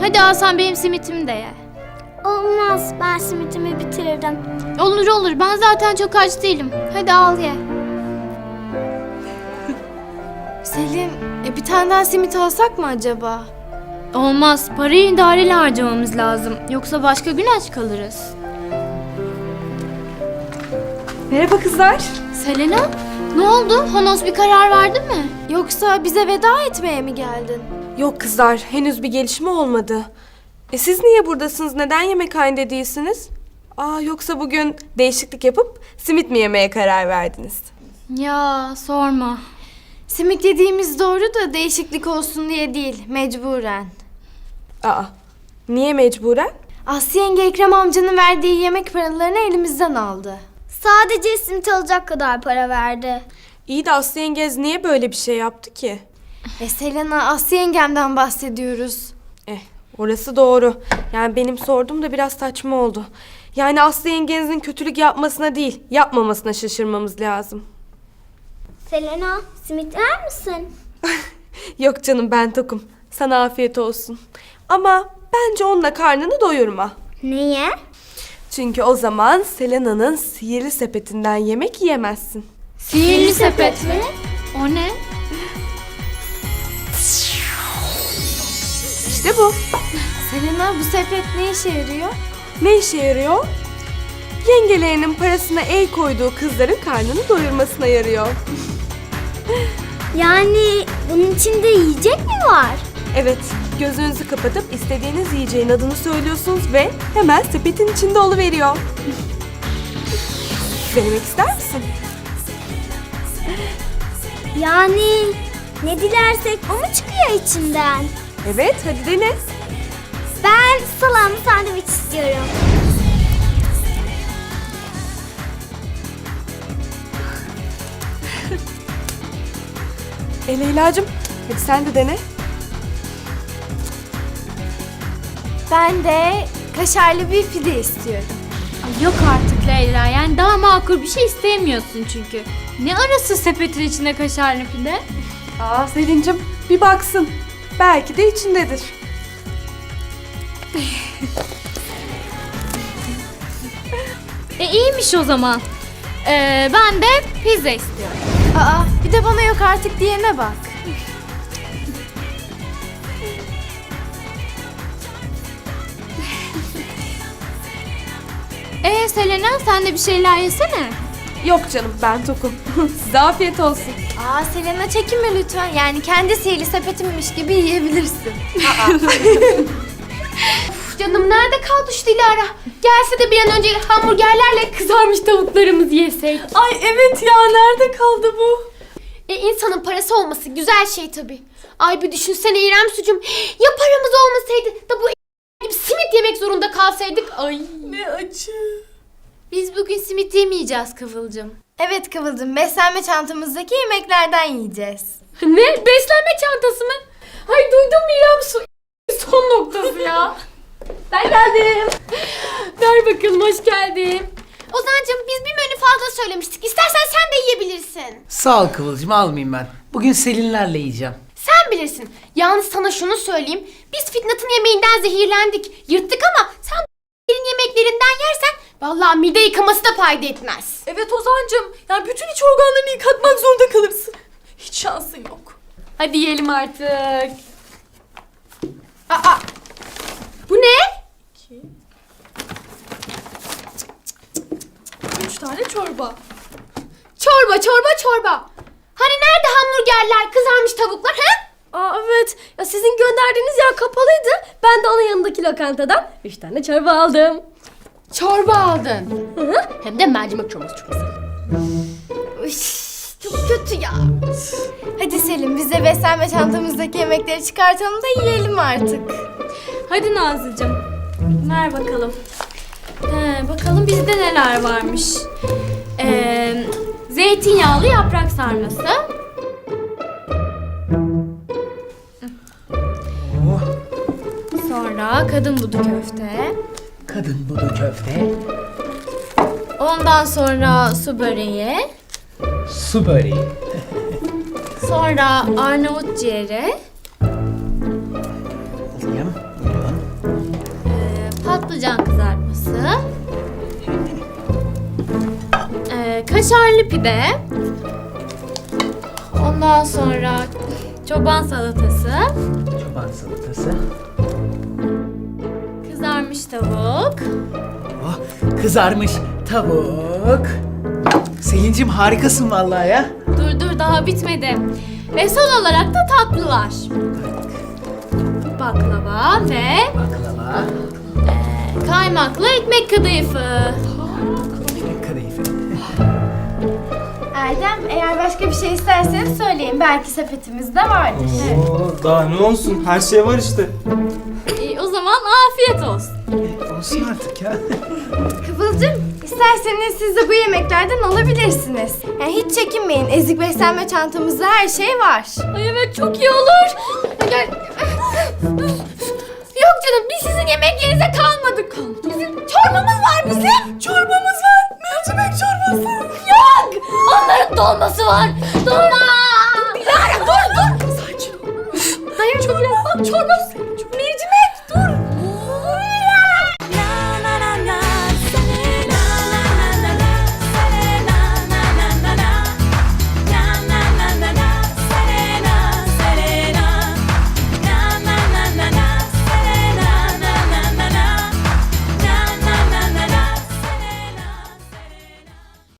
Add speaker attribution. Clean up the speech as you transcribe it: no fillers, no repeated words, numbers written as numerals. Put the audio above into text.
Speaker 1: Hadi al sen benim simitimi de ye.
Speaker 2: Olmaz, ben simitimi bitirdim.
Speaker 1: Olur olur, ben zaten çok aç değilim. Hadi al ye.
Speaker 3: Selin, bir tane daha simit alsak mı acaba?
Speaker 1: Olmaz, parayı idareli harcamamız lazım. Yoksa başka gün aç kalırız.
Speaker 3: Merhaba kızlar.
Speaker 1: Selena, ne oldu? Honos bir karar verdi mi?
Speaker 3: Yoksa bize veda etmeye mi geldin? Yok kızlar, henüz bir gelişme olmadı. Siz niye buradasınız? Neden yemekhanede değilsiniz? Yoksa bugün değişiklik yapıp simit mi yemeye karar verdiniz?
Speaker 1: Ya sorma.
Speaker 3: Simit yediğimiz doğru da değişiklik olsun diye değil, mecburen. Niye mecburen? Aslı yenge Ekrem amcanın verdiği yemek paralarını elimizden aldı.
Speaker 2: Sadece simit alacak kadar para verdi.
Speaker 3: İyi de Aslı yengez niye böyle bir şey yaptı ki? Selena, Aslı yengemden bahsediyoruz. Orası doğru. Yani benim sorduğum da biraz saçma oldu. Yani Aslı yengenizin kötülük yapmasına değil, yapmamasına şaşırmamız lazım.
Speaker 2: Selena, simit yer misin?
Speaker 3: Yok canım, ben tokum. Sana afiyet olsun. Ama bence onunla karnını doyurma.
Speaker 2: Niye?
Speaker 3: Çünkü o zaman Selena'nın sihirli sepetinden yemek yiyemezsin.
Speaker 1: Sihirli sepet mi? O ne?
Speaker 3: İşte bu. Selena, bu sepet ne işe yarıyor? Ne işe yarıyor? Yengelerinin parasına el koyduğu kızların karnını doyurmasına yarıyor.
Speaker 2: Yani bunun içinde yiyecek mi var?
Speaker 3: Evet, gözünüzü kapatıp istediğiniz yiyeceğin adını söylüyorsunuz ve hemen sepetin içinde oluveriyor. Denemek ister misin?
Speaker 2: Yani ne dilersek o mu çıkıyor içinden?
Speaker 3: Evet, hadi dene.
Speaker 2: Ben salamlı sandviç istiyorum.
Speaker 3: Leyla'cığım, hadi sen de dene. Ben de kaşarlı bir pide istiyorum.
Speaker 1: Ay yok artık Leyla, yani daha makul bir şey istemiyorsun çünkü. Ne arası sepetin içinde kaşarlı pide?
Speaker 3: Selin'cim, bir baksın. Belki de içindedir.
Speaker 1: İyiymiş o zaman. Ben de pizza istiyorum.
Speaker 3: Bir de bana yok artık diyene bak.
Speaker 1: Selena, sen de bir şeyler yesene.
Speaker 3: Yok canım, ben tokum. Size afiyet olsun. Selena, çekinme lütfen. Yani kendi sihirli sepetimmiş gibi yiyebilirsin.
Speaker 4: Canım nerede kaldı şu Dilara? Gelse de bir an önce hamburgerlerle kızarmış tavuklarımızı yesek.
Speaker 3: Ay evet ya, nerede kaldı bu?
Speaker 4: İnsanın parası olması güzel şey tabii. Ay bir düşünsene İrem sucum. Ya paramız olmasaydı da bu gibi simit yemek zorunda kalsaydık. Ay.
Speaker 3: Ne acı.
Speaker 1: Biz bugün simit yemeyeceğiz Kıvılcım.
Speaker 3: Evet Kıvılcım, beslenme çantamızdaki yemeklerden yiyeceğiz.
Speaker 4: Ne? Beslenme çantası mı? Ay duydum mu İrem su son noktası ya. Ben geldim. Ver bakalım, hoş geldin. Ozancığım biz bir menü fazla söylemiştik. İstersen sen de yiyebilirsin.
Speaker 5: Sağ ol Kıvılcım, almayayım ben. Bugün Selinlerle yiyeceğim.
Speaker 4: Sen bilirsin. Yalnız sana şunu söyleyeyim. Biz Fitnat'ın yemeğinden zehirlendik. Yırttık ama sen yemeklerinden yersen vallahi mide yıkaması da fayda etmez.
Speaker 3: Evet Ozancığım, yani bütün iç organlarını yıkatmak zorunda kalırsın. Hiç şansın yok.
Speaker 4: Hadi yiyelim artık. Bu ne?
Speaker 3: 3 tane çorba.
Speaker 4: Çorba. Hani nerede hamburgerler, kızarmış tavuklar ha?
Speaker 6: Evet. Ya sizin gönderdiğiniz yer kapalıydı. Ben de ana yanındaki lokantadan 3 tane çorba aldım.
Speaker 4: Çorba aldın. Hem de mercimek çorbası çok güzel.
Speaker 3: Çok kötü ya. Hadi Selim, biz de beslenme çantamızdaki yemekleri çıkartalım da yiyelim artık.
Speaker 1: Hadi Nazlıcığım, ver bakalım. Bakalım bizde neler varmış. Zeytinyağlı yaprak sarması. Sonra kadın budu köfte.
Speaker 5: Kadın budu köfte,
Speaker 1: Ondan sonra su böreği.
Speaker 5: su böreği,
Speaker 1: Sonra Arnavut ciğeri.
Speaker 5: alayım, buyurun.
Speaker 1: patlıcan kızartması, kaşarlı pide, ondan sonra çoban salatası,
Speaker 5: Çoban salatası.
Speaker 1: kızarmış tavuk.
Speaker 5: Oh, kızarmış tavuk. Selin'cim harikasın vallahi ya.
Speaker 1: Dur daha bitmedi. Ve son olarak da tatlılar. Baklava ve
Speaker 5: Baklava.
Speaker 1: kaymaklı ekmek kadayıfı.
Speaker 5: Ekmek kadayıfı.
Speaker 2: Erdem, eğer başka bir şey isterseniz söyleyin. Belki sepetimizde vardır.
Speaker 7: Oo, daha ne olsun? Her şey var işte.
Speaker 1: O zaman afiyet olsun.
Speaker 5: Olsun artık ya.
Speaker 2: Kıvılcım, isterseniz siz de bu yemeklerden alabilirsiniz. Yani hiç çekinmeyin. Ezik beslenme çantamızda her şey var.
Speaker 1: Ay evet, çok iyi olur. Gel. Yok canım, biz sizin yemek yerinize kalmadık. Bizim çorbamız var bizim. Çorbamız var. Mercimek çorbası. Yok. Onların dolması var. Dolma.